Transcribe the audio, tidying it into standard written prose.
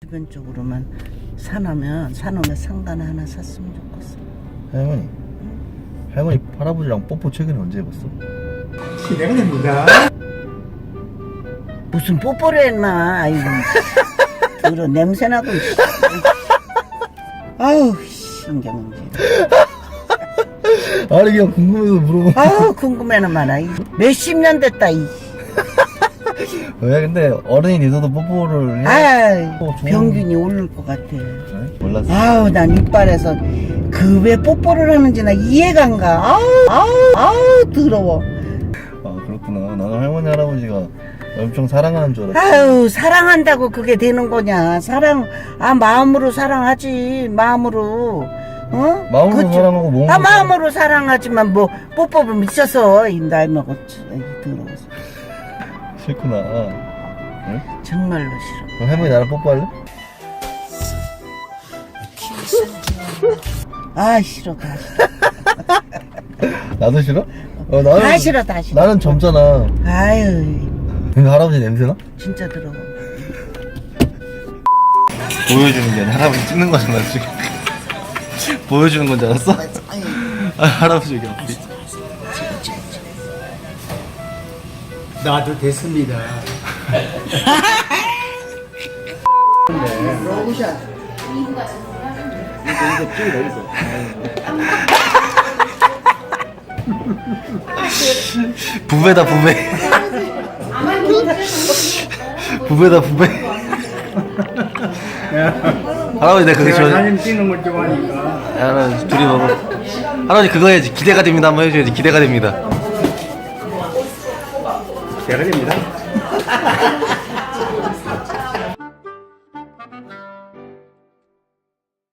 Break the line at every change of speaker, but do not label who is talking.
주변 쪽으로만 사놓으면 상가나 하나 샀으면 좋겠어.
할머니, 할머니 할아버지랑 뽀뽀 최근에 언제 해봤어?
기대가 됩니다.
무슨 뽀뽀를 했나? 아이고, 들어 냄새나고. 아유, 신경질.
아니 그냥 궁금해서 물어본 거야.
아유, 궁금해는 많아. 몇십 년 됐다.
왜 근데 어른이 돼서도 뽀뽀를 해?
아유,
또 좋은-
병균이 오를 것 같아.
네? 몰랐어.
아우, 난 이빨에서 그 왜 뽀뽀를 하는지 나 이해가 안 가. 아우, 더러워.
아 그렇구나. 나는 할머니 할아버지가 엄청 사랑하는 줄 알았어.
아유, 사랑한다고 그게 되는 거냐. 마음으로 사랑하지. 마음으로. 어?
마음으로
그치?
사랑하고 몸으로
마음으로 사랑하지만 뭐 뽀뽀를 미쳐서 이 나이 먹었지. 아이, 더러워서.
싫구나. 응?
정말로 싫어.
그럼 할머니 나랑 뽀뽀할래?
아, 싫어. 다 싫어.
나도 싫어? 나는
다 싫어. 다 싫어.
나는 젊잖아.
아유,
근데 할아버지 냄새나?
진짜 더러워.
보여주는 게 아니라 할아버지 찍는 거잖아 지금. 보여주는 건 줄 알았어? 아, 할아버지 여기 앞에.
나도 됐습니다.
로션.
부배다 부배. 부배다 부배. 할아버지 내가 그게
제가
좋아.
사진 찍는 걸 좋아하니까.
할아버지 둘이 먹어. 할아버지 그거 해야지. 기대가 됩니다 한번 해줘야지. 기대가 됩니다.
제가 됩니다.